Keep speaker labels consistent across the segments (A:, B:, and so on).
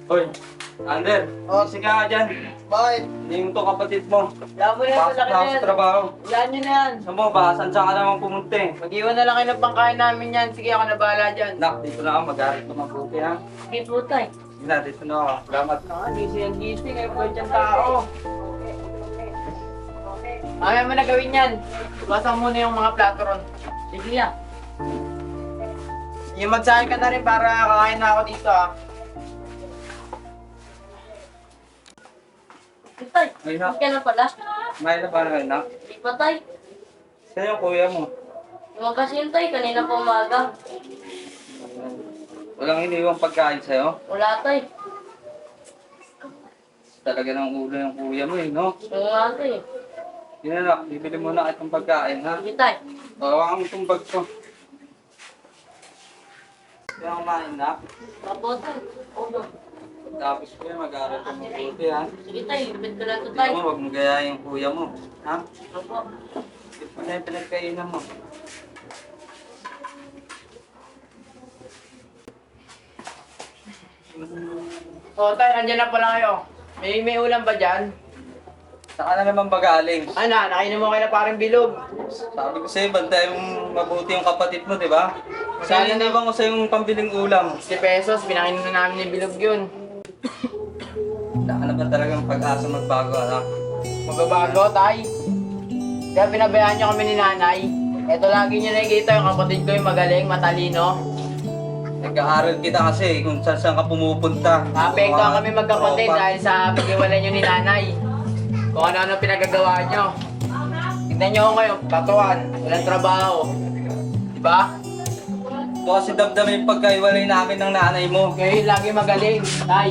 A: Hoy, Ander, kasi ka nga dyan.
B: Bakit?
A: Hindi mo to kapatid mo.
B: Wala mo na yan,
A: Pasok
B: malaki
A: na
B: na
A: ako
B: yan.
A: sa trabaho.
B: Wala nyo na yan.
A: Saan mo ba? Saan ka naman pumunta eh?
B: Mag-iwan na lang kayo ng pangkain namin yan. Sige, ako na bahala dyan.
A: Nak, dito na ako. Mag-arit na mabuti ha.
B: Sige po, tay.
A: Sige na, dito na ako. Salamat.
B: Gising ang gising. Ay, buhay dyan tao. Mamaya mo na gawin yan. Basan muna yung mga plato ron. Sige ya. Yung magsahin ka na rin para kakain na ako dito ah.
C: Tay,
A: Ay, nak.
C: hindi ka na pala.
A: May na ba na nak?
C: Hindi pa, tay.
A: Saan yung kuya mo?
C: Yung kasi yun, tay, kanina pa umaga.
A: Walang iniwang pagkain sa'yo?
C: Wala, tay.
A: Talaga ng ulo yung kuya mo eh, no?
C: Yung nga, tay.
A: Yun na nak, bibili mo na itong pagkain ha.
C: Sige, tay.
A: Hawakan mo itong bag ko. Kaya kumain na.
C: Opo, tay. Opo.
A: Tapos ko yan, mag-aaral ka mabuti ha.
C: Sige, tay. Lipit ko lang ito,
A: Hindi
C: tay.
A: mo, huwag mo gayahin yung kuya mo. Ha?
C: Opo.
A: Ito na yung pinagkainan mo.
B: O tay, nandiyan na pala kayo. May ulam ba dyan?
A: Saan ka na naman ba galing?
B: Ano, nakainom mo kayo na parang bilog.
A: Sabi ko sa'yo, bantay mong mabuti yung kapatid mo, di ba?
B: Magkano
A: Saan iniwan ko sa'yo yung pambiling ulam?
B: 60 pesos, pinakainom na namin yung bilog yun.
A: Wala ka naman talagang pag-asa magbago, anak.
B: Magbabago, tay. Kaya pinabayaan niyo kami ni nanay. Ito lagi niyo nakikita yung kapatid ko yung magaling, matalino.
A: Nag-aaral kita kasi kung saan ka pumupunta.
B: Naapektuhan kami magkapatid
A: Tropa.
B: dahil sa pag-iwalay niyo ni nanay. Kung ano-ano pinagagawa niyo. Tignan niyo ako ngayon, katuan, walang trabaho. Diba?
A: Ito kasi damdam yung pagkaiwalay namin ng nanay mo.
B: Kayo yung lagi magaling, tay.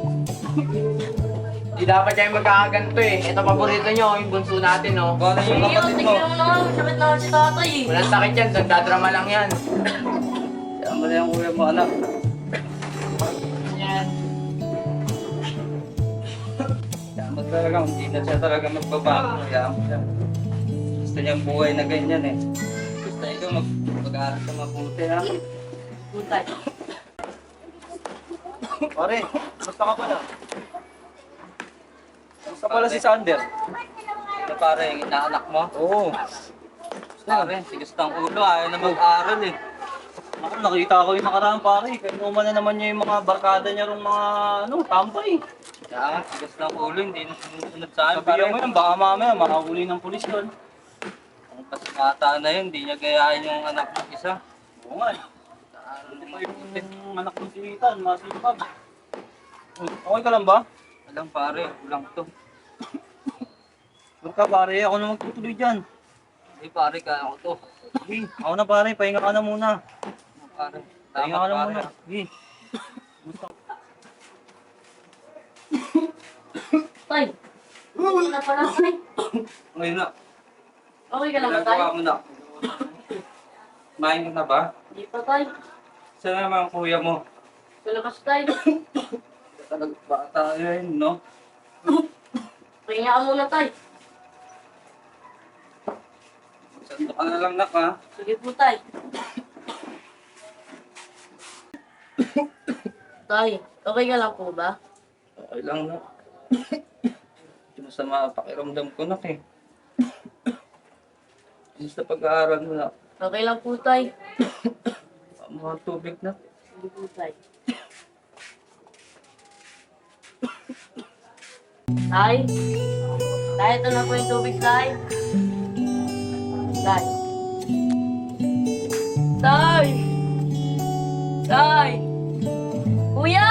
B: Di dapat kayo magkakaganto eh. Ito paborito niyo, yung bunso natin, no?
A: Kung ano yung
C: Sige,
A: kapatid
C: sige
A: mo.
C: mo naman. Sabit naman si tatay.
B: Walang sakit yan, nagdadrama lang yan.
A: Kaya mo na yung kuya mo, anak.
B: Yan.
A: Kaya mo talaga, hindi na siya talaga magbabago. Kaya mo siya. Gusto niya buhay na ganyan eh. Gusto ikaw mag-aaral ka mabuti ha.
C: Putay.
A: Pare, basta ka pala. Basta pala si Sander. Ito pare, yung inaanak mo? Oo. Pare, sigas ng ulo, ayaw na mag-aaral eh.
D: Ako, nakita ko yung nakaraan pare. Kainuman na naman niya yung mga barkada niya rong mga tambay.
A: Kaya nga, sigas ng ulo, hindi na sumusunod sa akin.
D: Sabihan mo yun, baka mamaya makahuli ng pulis doon.
A: Kung kasimata na yun, hindi niya gayahin yung anak ng isa.
D: Oo nga. Hindi pa yung anak ng silitan, masipag. Okay ka lang ba?
A: Alam pare, ulang to.
D: Sure ka pare, ako na magtutuloy dyan.
A: Hindi pare, kaya ko to.
D: Sige, ako na pare, pahinga ka na muna.
A: Pare,
D: Pahinga
A: tama
D: ka na
A: pare.
D: muna. Sige.
C: Tay. Hindi na pala, tay.
A: Ngayon na,
C: Okay ka lang ba, tay?
A: ginagawa mo na. Kumain ka na ba?
C: Hindi pa, tay.
A: Saan naman ang kuya mo?
C: Kalakas, tay.
A: Talagang bata yun, no?
C: Pahinga ka muna, tay.
A: Santo ka na lang nak, ha?
C: Sige po, tay. Tay, okay ka lang po ba?
A: Okay lang, nak. Hindi masama pakiramdam ko, nak, eh. Basta pag-aaral mo, nak.
C: Okay lang po, tay.
A: Mga tubig, nak.
C: Sige po, tay. Tay? Tay, ito na po yung tubig, tay. Tay. Tay! Tay! Kuya!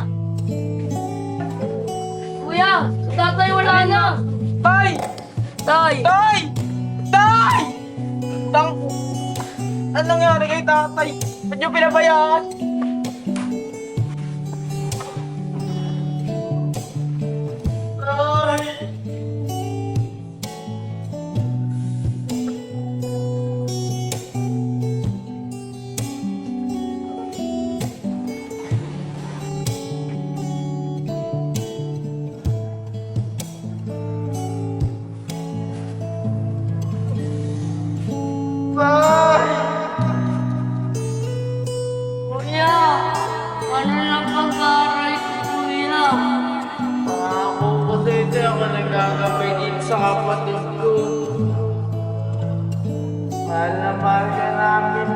C: Kuya! Si tatay wala na!
B: Tay!
C: Tay!
B: Tay! Tay! Tang... Anong nangyari kay tatay? Ba't niyo pinabayaan? Tay!
C: Kuya! Ano lang pag-aaral ko, kuya?
B: ako nagagabay dito sa kapatid ko. Mahal na mahal ka namin,